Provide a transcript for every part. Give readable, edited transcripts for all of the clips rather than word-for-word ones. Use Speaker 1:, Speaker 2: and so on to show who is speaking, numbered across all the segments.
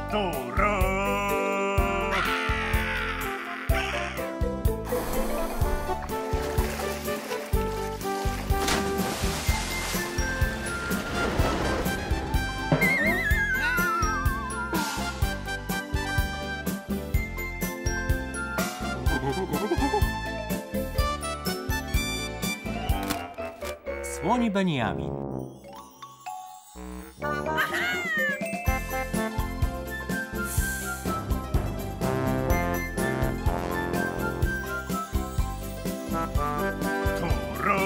Speaker 1: Toro!
Speaker 2: Słoni Beniamin.
Speaker 1: Toro!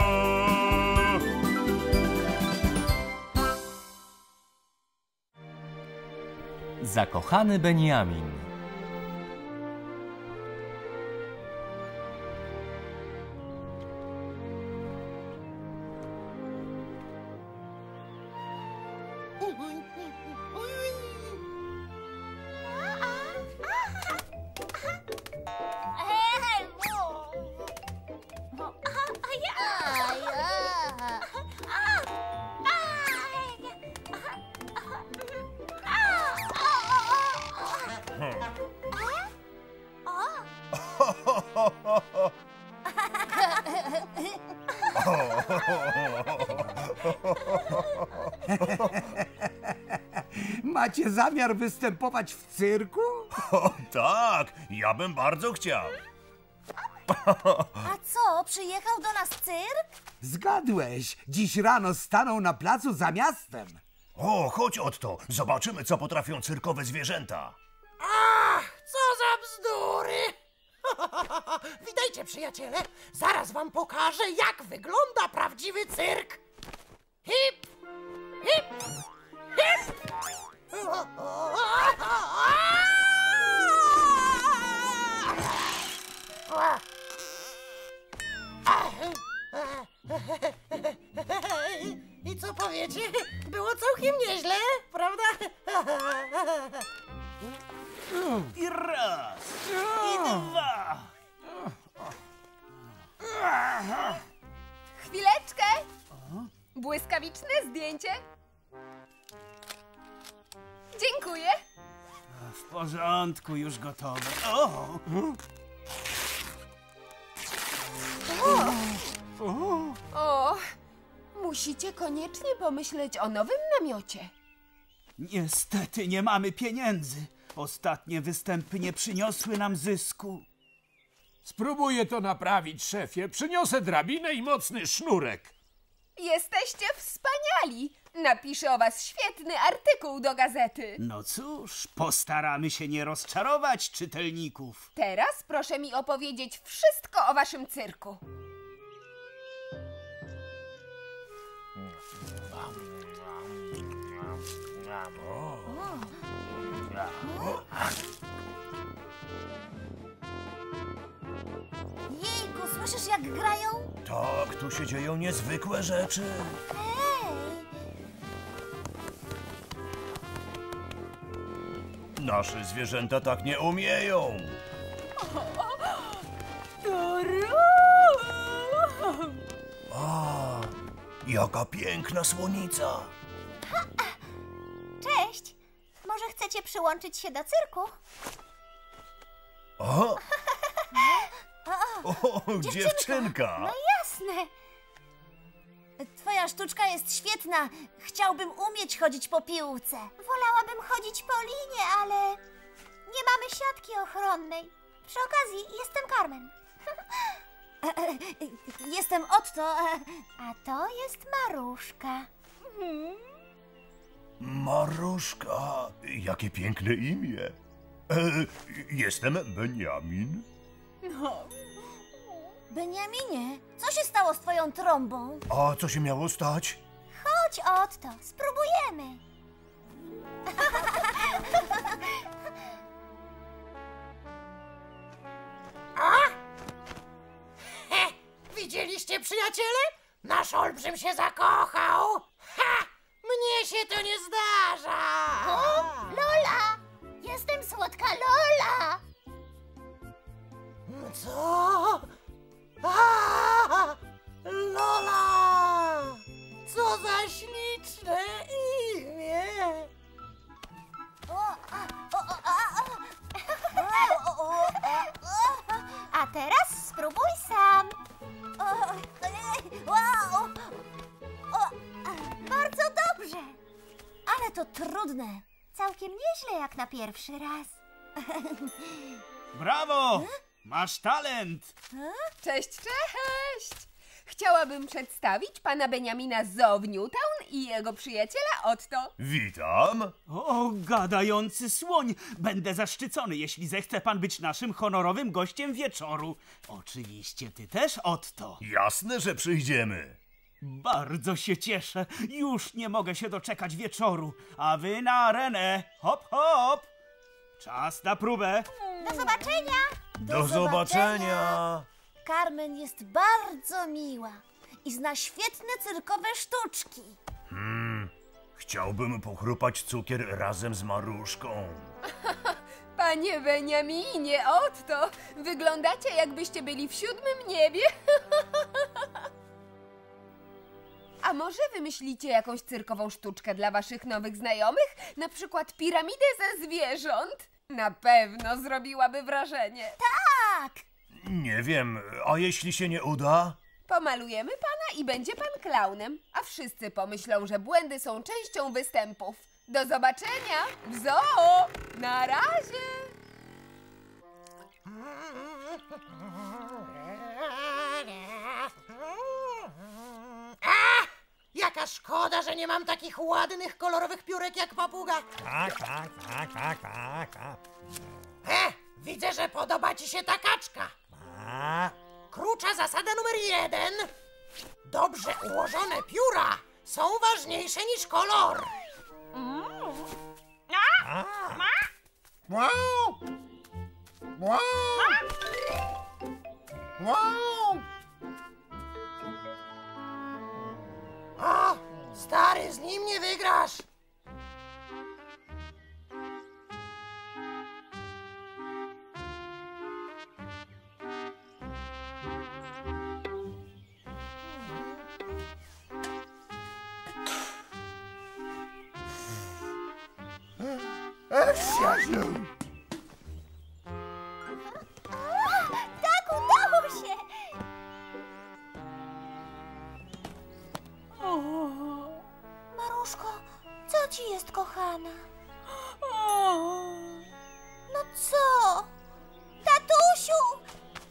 Speaker 2: Zakochany Beniamin.
Speaker 3: Macie zamiar występować w cyrku?
Speaker 1: O tak, ja bym bardzo chciał.
Speaker 4: A co, przyjechał do nas cyrk?
Speaker 3: Zgadłeś, dziś rano stanął na placu za miastem.
Speaker 1: O, chodź Otto, zobaczymy, co potrafią cyrkowe zwierzęta.
Speaker 5: Ach, co za bzdury! Witajcie, przyjaciele. Zaraz wam pokażę, jak wygląda prawdziwy cyrk. Hip, hip, hip! I co powiecie? Było całkiem nieźle, prawda?
Speaker 1: I raz, i dwa.
Speaker 6: Chwileczkę! Błyskawiczne zdjęcie. Dziękuję.
Speaker 7: W porządku, już gotowe. O!
Speaker 6: O, musicie koniecznie pomyśleć o nowym namiocie.
Speaker 7: Niestety nie mamy pieniędzy. Ostatnie występy nie przyniosły nam zysku.
Speaker 8: Spróbuję to naprawić, szefie. Przyniosę drabinę i mocny sznurek.
Speaker 6: Jesteście wspaniali. Napiszę o was świetny artykuł do gazety.
Speaker 7: No cóż, postaramy się nie rozczarować czytelników.
Speaker 6: Teraz proszę mi opowiedzieć wszystko o waszym cyrku.
Speaker 4: Jejku, słyszysz jak grają?
Speaker 1: Tak, tu się dzieją niezwykłe rzeczy.
Speaker 4: Hej!
Speaker 1: Nasze zwierzęta tak nie umieją. A, jaka piękna słonica.
Speaker 4: Cześć! Może chcecie przyłączyć się do cyrku?
Speaker 1: O, dziewczynka.
Speaker 4: No jasne! Twoja sztuczka jest świetna. Chciałbym umieć chodzić po piłce. Wolałabym chodzić po linie, ale nie mamy siatki ochronnej. Przy okazji jestem Carmen. Jestem Otto, a to jest Maruszka.
Speaker 1: Maruszka, jakie piękne imię. Jestem Beniamin.
Speaker 4: Beniaminie, co się stało z twoją trąbą?
Speaker 1: A co się miało stać?
Speaker 4: Chodź, Otto, spróbujemy.
Speaker 5: Widzieliście, przyjaciele? Nasz olbrzym się zakochał. Ha! Mnie się to nie zdarza.
Speaker 4: O, Lola! Jestem słodka Lola!
Speaker 5: Co? A! Lola! Co za śliczne imię!
Speaker 4: O, to trudne. Całkiem nieźle jak na pierwszy raz.
Speaker 7: Brawo! Masz talent!
Speaker 6: Cześć, cześć! Chciałabym przedstawić pana Beniamina Zoo w Newtown i jego przyjaciela Otto.
Speaker 1: Witam.
Speaker 7: O, gadający słoń! Będę zaszczycony, jeśli zechce pan być naszym honorowym gościem wieczoru. Oczywiście ty też, Otto.
Speaker 1: Jasne, że przyjdziemy.
Speaker 7: Bardzo się cieszę. Już nie mogę się doczekać wieczoru. A wy na arenę. Hop, hop! Czas na próbę.
Speaker 4: Do zobaczenia!
Speaker 1: Do zobaczenia.
Speaker 4: Carmen jest bardzo miła i zna świetne cyrkowe sztuczki.
Speaker 1: Chciałbym pochrupać cukier razem z Maruszką.
Speaker 6: Panie Beniaminie, Otto, wyglądacie jakbyście byli w 7. niebie. A może wymyślicie jakąś cyrkową sztuczkę dla waszych nowych znajomych? Na przykład piramidę ze zwierząt? Na pewno zrobiłaby wrażenie.
Speaker 4: Tak!
Speaker 1: Nie wiem, a jeśli się nie uda?
Speaker 6: Pomalujemy pana i będzie pan klaunem, a wszyscy pomyślą, że błędy są częścią występów. Do zobaczenia w zoo! Na razie!
Speaker 5: Jaka szkoda, że nie mam takich ładnych, kolorowych piórek jak papuga. Widzę, że podoba ci się ta kaczka. Krucza zasada numer 1. Dobrze ułożone pióra są ważniejsze niż kolor. O, stary, z nim nie wygrasz.
Speaker 4: Tak, udało się! Maruszko, co ci jest, kochana? No co? Tatusiu!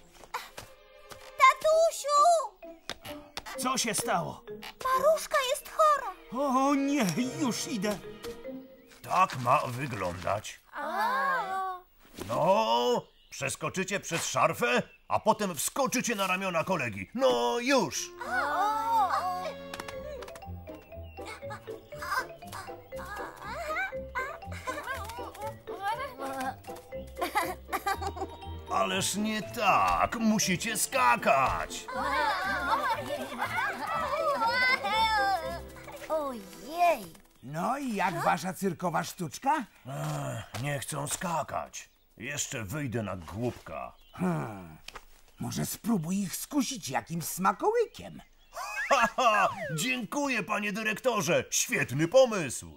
Speaker 4: Tatusiu!
Speaker 7: Co się stało?
Speaker 4: Maruszka jest chora.
Speaker 7: O nie, już idę.
Speaker 1: Tak ma wyglądać. No, przeskoczycie przez szarfę, a potem wskoczycie na ramiona kolegi. No już! Ależ nie tak, musicie skakać.
Speaker 4: Ojej!
Speaker 3: No i jak wasza cyrkowa sztuczka?
Speaker 1: Nie chcą skakać. Jeszcze wyjdę na głupka.
Speaker 3: Może spróbuj ich skusić jakimś smakołykiem.
Speaker 1: Haha, dziękuję, panie dyrektorze. Świetny pomysł.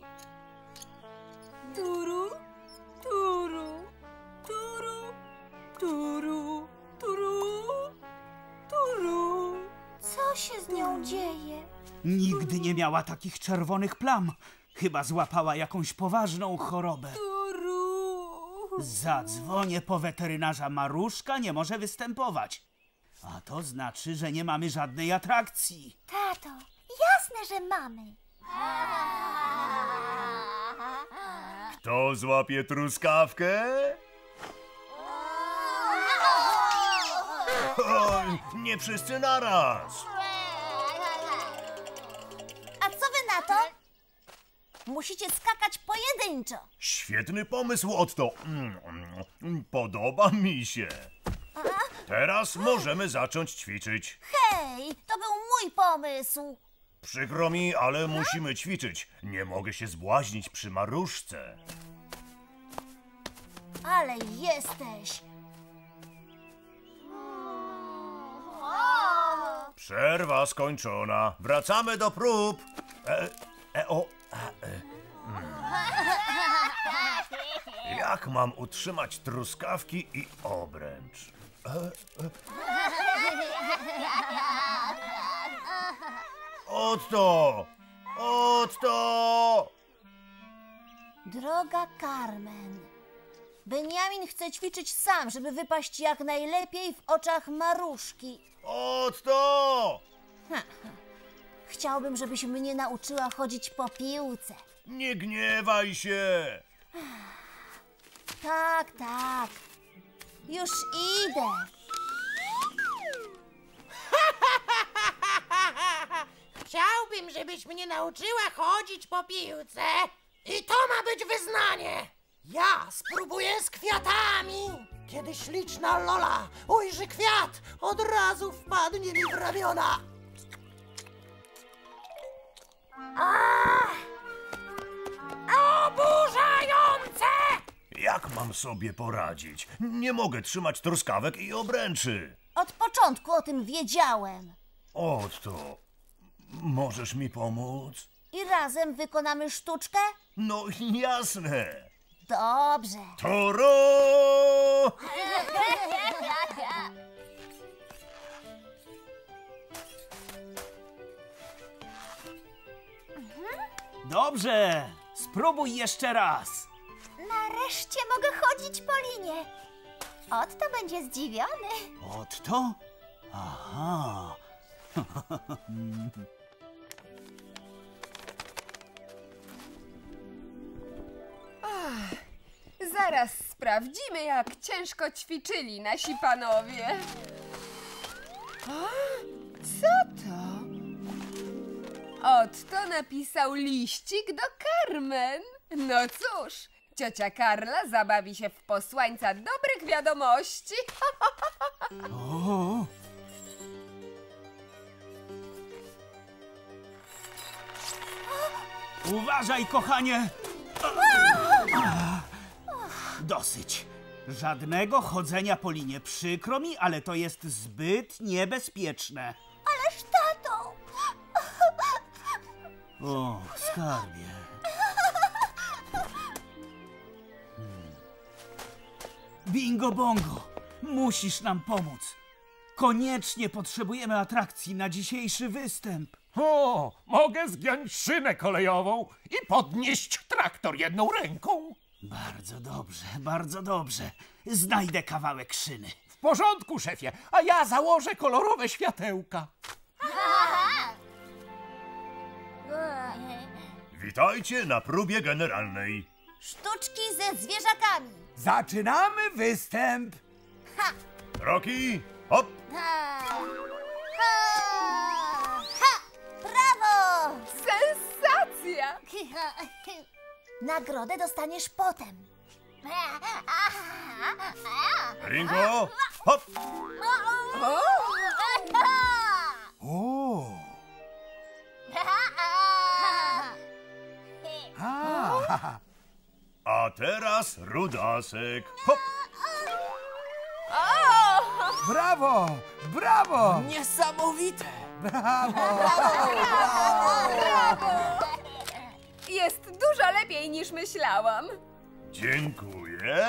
Speaker 6: Turu, turu, turu, turu, turu, turu.
Speaker 4: Co się z nią dzieje?
Speaker 7: Nigdy nie miała takich czerwonych plam. Chyba złapała jakąś poważną chorobę. Zadzwonię po weterynarza. Maruszka nie może występować. A to znaczy, że nie mamy żadnej atrakcji.
Speaker 4: Tato, jasne, że mamy.
Speaker 1: Kto złapie truskawkę? O, nie wszyscy naraz.
Speaker 4: A co wy na to? Musicie skakać pojedynczo.
Speaker 1: Świetny pomysł, Otto. Podoba mi się. Teraz możemy zacząć ćwiczyć.
Speaker 4: Hej, to był mój pomysł.
Speaker 1: Przykro mi, ale musimy ćwiczyć. Nie mogę się zbłaźnić przy Maruszce.
Speaker 4: Ale jesteś.
Speaker 1: Przerwa skończona. Wracamy do prób. Jak mam utrzymać truskawki i obręcz? Otto! Otto!
Speaker 4: Droga Carmen, Beniamin chce ćwiczyć sam, żeby wypaść jak najlepiej w oczach Maruszki.
Speaker 1: Otto!
Speaker 4: Chciałbym, żebyś mnie nauczyła chodzić po piłce.
Speaker 1: Nie gniewaj się!
Speaker 4: Tak, tak. Już idę.
Speaker 5: Chciałbym, żebyś mnie nauczyła chodzić po piłce. I to ma być wyznanie. Ja spróbuję z kwiatami. Kiedy śliczna Lola ujrzy kwiat, od razu wpadnie mi w ramiona. Oburzające!
Speaker 1: Jak mam sobie poradzić? Nie mogę trzymać truskawek i obręczy.
Speaker 4: Od początku o tym wiedziałem.
Speaker 1: Otto, możesz mi pomóc?
Speaker 4: I razem wykonamy sztuczkę?
Speaker 1: No jasne.
Speaker 4: Dobrze.
Speaker 1: Toro!
Speaker 7: Dobrze, spróbuj jeszcze raz.
Speaker 4: Nareszcie mogę chodzić po linie. Otto będzie zdziwiony.
Speaker 7: Otto? Aha.
Speaker 6: Zaraz sprawdzimy, jak ciężko ćwiczyli nasi panowie. A? Co to? Otto napisał liścik do Carmen. No cóż, ciocia Karla zabawi się w posłańca dobrych wiadomości.
Speaker 7: O. Uważaj, kochanie! Dosyć. Żadnego chodzenia po linie. Przykro mi, ale to jest zbyt niebezpieczne.
Speaker 4: Ależ tato!
Speaker 7: O, skarbie. Bingo bongo, musisz nam pomóc. Koniecznie potrzebujemy atrakcji na dzisiejszy występ.
Speaker 8: O, mogę zgiąć szynę kolejową i podnieść traktor jedną ręką.
Speaker 7: Bardzo dobrze, bardzo dobrze. Znajdę kawałek szyny.
Speaker 8: W porządku, szefie, a ja założę kolorowe światełka.
Speaker 1: Witajcie na próbie generalnej.
Speaker 4: Sztuczki ze zwierzakami.
Speaker 3: Zaczynamy występ.
Speaker 1: Rocky, hop!
Speaker 4: Ha! Ha! Ha! Brawo!
Speaker 6: Sensacja!
Speaker 4: Nagrodę dostaniesz potem.
Speaker 1: Ringo, hop!
Speaker 3: O!
Speaker 1: A teraz Rudasek, hop!
Speaker 3: Brawo! Brawo!
Speaker 2: Niesamowite!
Speaker 6: Jest dużo lepiej niż myślałam.
Speaker 1: Dziękuję.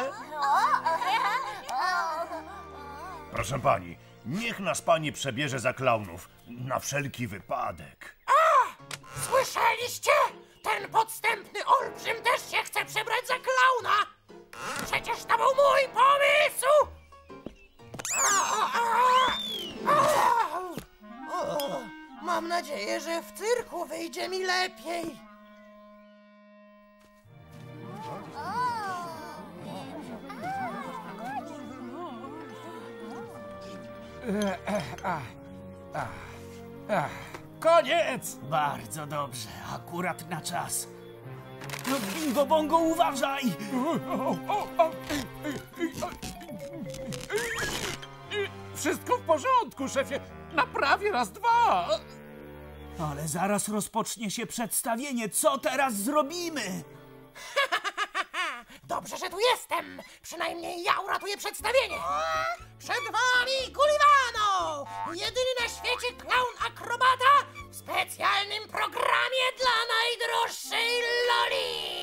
Speaker 1: Proszę pani, niech nas pani przebierze za klaunów, na wszelki wypadek.
Speaker 5: Słyszeliście? Ten podstępny olbrzym też się chce przebrać za klauna. Przecież to był mój pomysł. Mam nadzieję, że w cyrku wyjdzie mi lepiej.
Speaker 8: Koniec!
Speaker 7: Bardzo dobrze, akurat na czas. No, bingo bongo, uważaj!
Speaker 8: Wszystko w porządku, szefie. Naprawię raz, dwa.
Speaker 7: Ale zaraz rozpocznie się przedstawienie. Co teraz zrobimy?
Speaker 5: Dobrze, że tu jestem. Przynajmniej ja uratuję przedstawienie. Przed wami Gullivano! Jedyny na świecie klaun akrobata w specjalnym programie dla najdroższej Loli!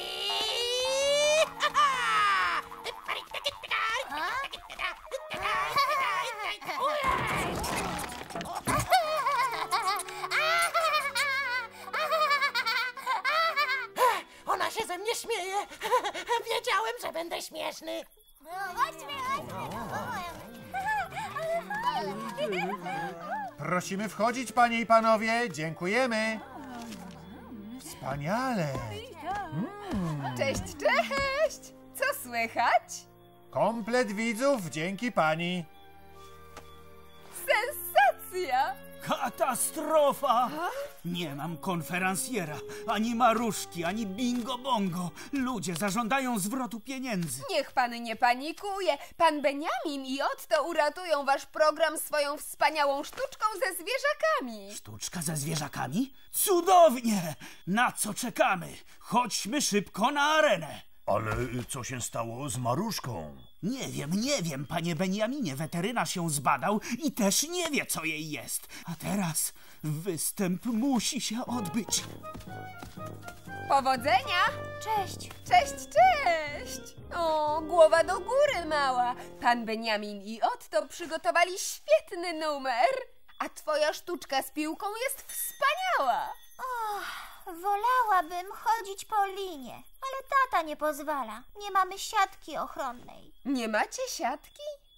Speaker 5: Ona się ze mnie śmieje. śmieję. Wiedziałem, że będę śmieszny.
Speaker 9: Prosimy wchodzić, panie i panowie. Dziękujemy. Wspaniale.
Speaker 6: Cześć, cześć! Co słychać?
Speaker 9: Komplet widzów, dzięki pani.
Speaker 6: Sensacja!
Speaker 7: Katastrofa! Nie mam konferencjera, ani Maruszki, ani Bingo Bongo. Ludzie zażądają zwrotu pieniędzy.
Speaker 6: Niech pan nie panikuje. Pan Beniamin i Otto uratują wasz program swoją wspaniałą sztuczką ze zwierzakami.
Speaker 7: Sztuczka ze zwierzakami? Cudownie! Na co czekamy? Chodźmy szybko na arenę.
Speaker 1: Ale co się stało z Maruszką?
Speaker 7: Nie wiem, panie Beniaminie. Weterynarz ją zbadał i też nie wie, co jej jest. A teraz występ musi się odbyć.
Speaker 6: Powodzenia!
Speaker 4: Cześć.
Speaker 6: Cześć, cześć! O, głowa do góry, mała. Pan Beniamin i Otto przygotowali świetny numer. A twoja sztuczka z piłką jest wspaniała.
Speaker 4: Wolałabym chodzić po linie, ale tata nie pozwala. Nie mamy siatki ochronnej.
Speaker 6: Nie macie siatki?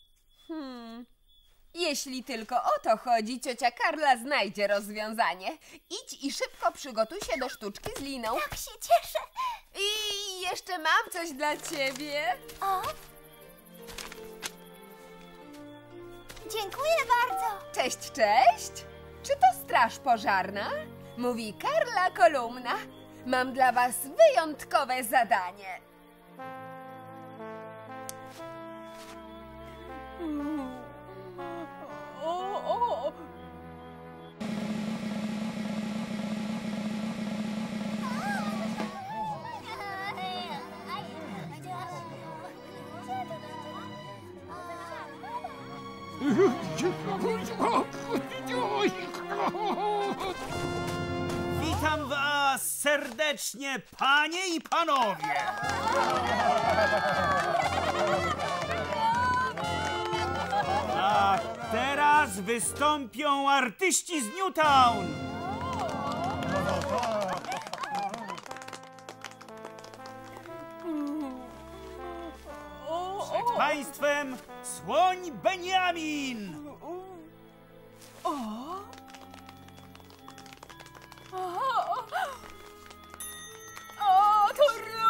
Speaker 6: Jeśli tylko o to chodzi, ciocia Karla znajdzie rozwiązanie. Idź i szybko przygotuj się do sztuczki z liną.
Speaker 4: Tak się cieszę.
Speaker 6: I jeszcze mam coś dla ciebie.
Speaker 4: O! Dziękuję bardzo.
Speaker 6: Cześć, cześć! Czy to straż pożarna? Mówi Karla Kolumna. Mam dla was wyjątkowe zadanie. O.
Speaker 7: Witam was serdecznie, panie i panowie. A teraz wystąpią artyści z Newtown. Przed państwem Słoń Beniamin.
Speaker 6: O, to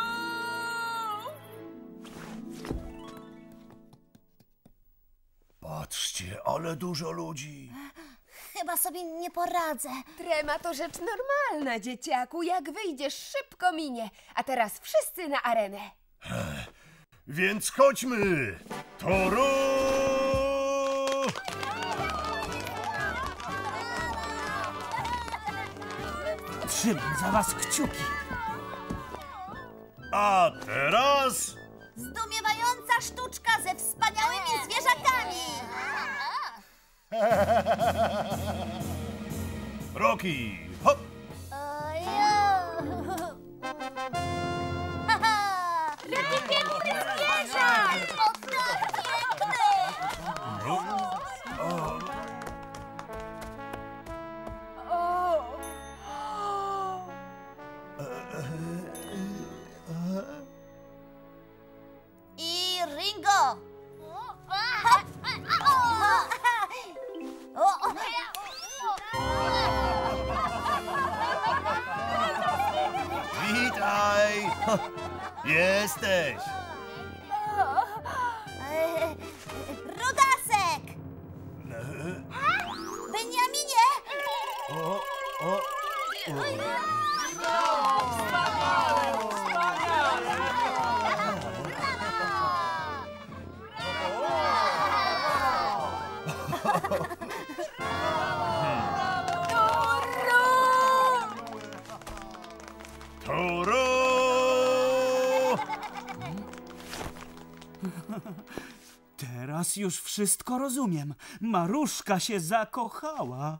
Speaker 1: Patrzcie, ale dużo ludzi.
Speaker 4: Chyba sobie nie poradzę.
Speaker 6: Trema to rzecz normalna, dzieciaku. Jak wyjdziesz, szybko minie. A teraz wszyscy na arenę.
Speaker 1: Więc chodźmy! Toru!
Speaker 7: Trzymam za was kciuki.
Speaker 1: A teraz...
Speaker 4: Zdumiewająca sztuczka ze wspaniałymi zwierzakami.
Speaker 1: Rocky, hop!
Speaker 4: Jaki piękny zwierzak! I Ringo!
Speaker 1: Witaj! Jesteś!
Speaker 4: Rudasek! Beniaminie!
Speaker 1: Toru!
Speaker 7: Teraz już wszystko rozumiem. Maruszka się zakochała.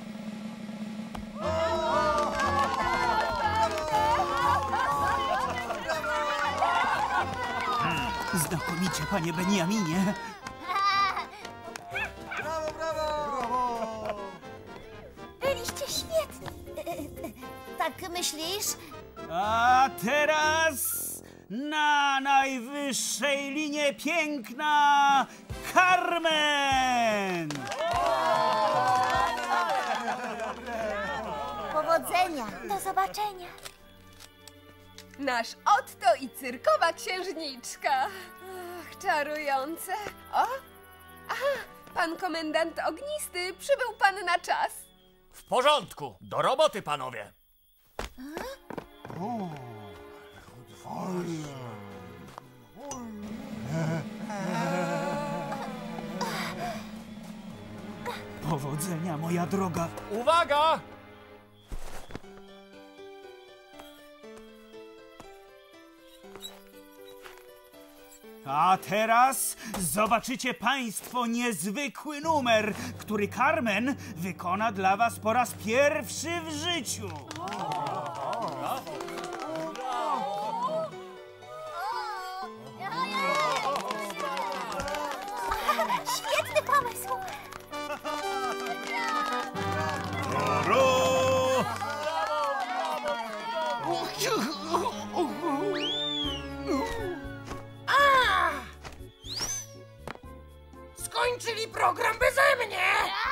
Speaker 7: Znakomicie, panie Beniaminie.
Speaker 4: Byliście świetni. Tak myślisz?
Speaker 7: A teraz na najwyższej linie piękna Carmen!
Speaker 4: Powodzenia! Do zobaczenia!
Speaker 6: Nasz Otto i cyrkowa księżniczka. Ach, czarujące. O! Aha, pan komendant Ognisty, przybył pan na czas.
Speaker 10: W porządku. Do roboty, panowie.
Speaker 7: Powodzenia, moja droga.
Speaker 10: Uwaga!
Speaker 7: A teraz zobaczycie państwo niezwykły numer, który Carmen wykona dla was po raz pierwszy w życiu.
Speaker 4: Świetny pomysł!
Speaker 5: Skończyli program beze mnie!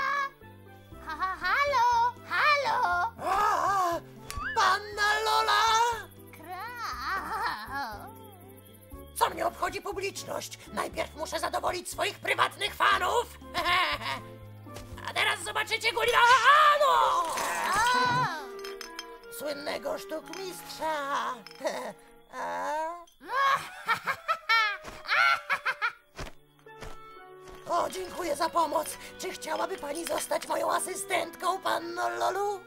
Speaker 4: Halo! Halo!
Speaker 5: Panna Lola!
Speaker 4: Kra!
Speaker 5: Co mnie obchodzi publiczność? Najpierw muszę zadowolić swoich prywatnych fanów. A teraz zobaczycie Gullivano! Słynnego sztukmistrza. O, dziękuję za pomoc. Czy chciałaby pani zostać moją asystentką, panno Lolu?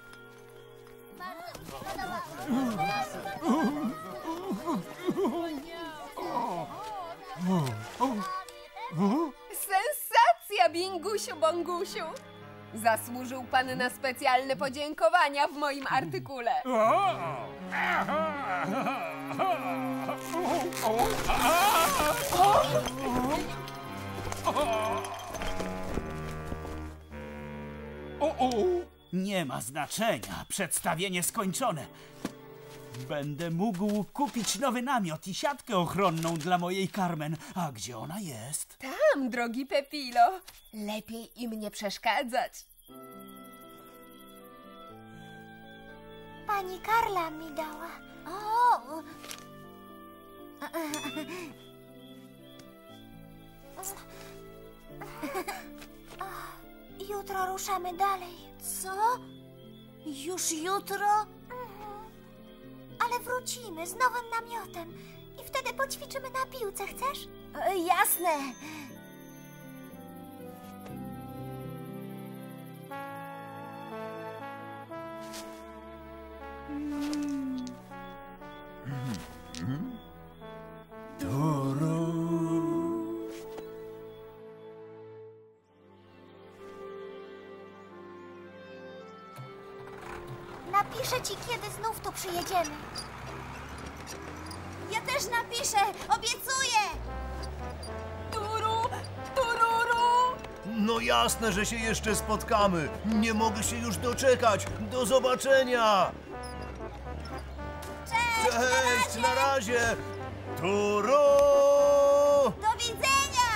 Speaker 6: Sensacja, Bingusiu Bongusiu! Zasłużył pan na specjalne podziękowania w moim artykule.
Speaker 7: Nie ma znaczenia, przedstawienie skończone. Będę mógł kupić nowy namiot i siatkę ochronną dla mojej Carmen. A gdzie ona jest?
Speaker 6: Tam, drogi Pepilo. Lepiej im nie przeszkadzać.
Speaker 4: Pani Karla mi dała. O! Jutro ruszamy dalej. Co? Już jutro? Ale wrócimy z nowym namiotem i wtedy poćwiczymy na piłce, chcesz? Jasne. Napiszę ci, kiedy znów tu przyjedziemy. Ja też napiszę, obiecuję!
Speaker 6: Turu, tururu!
Speaker 1: No jasne, że się jeszcze spotkamy. Nie mogę się już doczekać. Do zobaczenia.
Speaker 4: Cześć!
Speaker 1: Cześć, na razie. Turu!
Speaker 4: Do widzenia!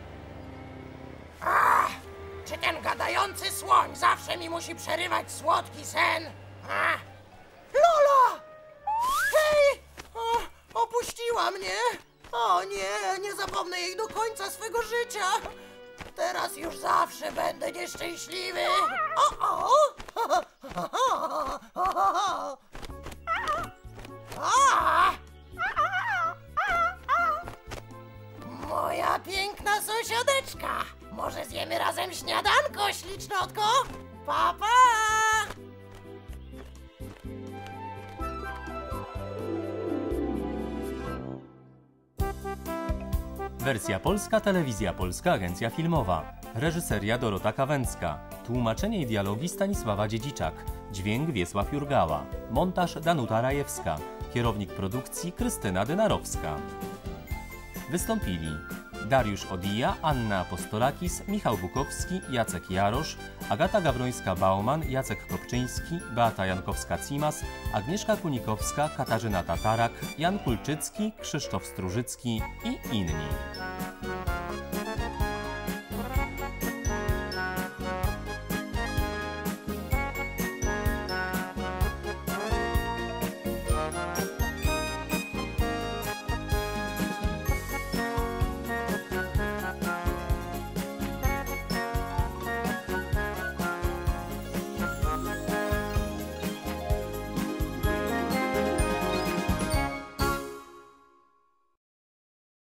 Speaker 5: Czy ten gadający słoń zawsze mi musi przerywać słodki sen? Lola! Hej! Opuściła mnie! O nie, nie zapomnę jej do końca swego życia! Teraz już zawsze będę nieszczęśliwy! Moja piękna sąsiadeczka! Może zjemy razem śniadanko, ślicznotko? Pa, pa!
Speaker 2: Wersja polska, telewizja polska, agencja filmowa. Reżyseria Dorota Kawęcka. Tłumaczenie i dialogi Stanisława Dziedziczak. Dźwięk Wiesław Jurgała. Montaż Danuta Rajewska. Kierownik produkcji Krystyna Dynarowska. Wystąpili Dariusz Odija, Anna Apostolakis, Michał Bukowski, Jacek Jarosz, Agata Gawrońska-Bauman, Jacek Kopczyński, Beata Jankowska-Cimas, Agnieszka Kunikowska, Katarzyna Tatarak, Jan Kulczycki, Krzysztof Strużycki i inni.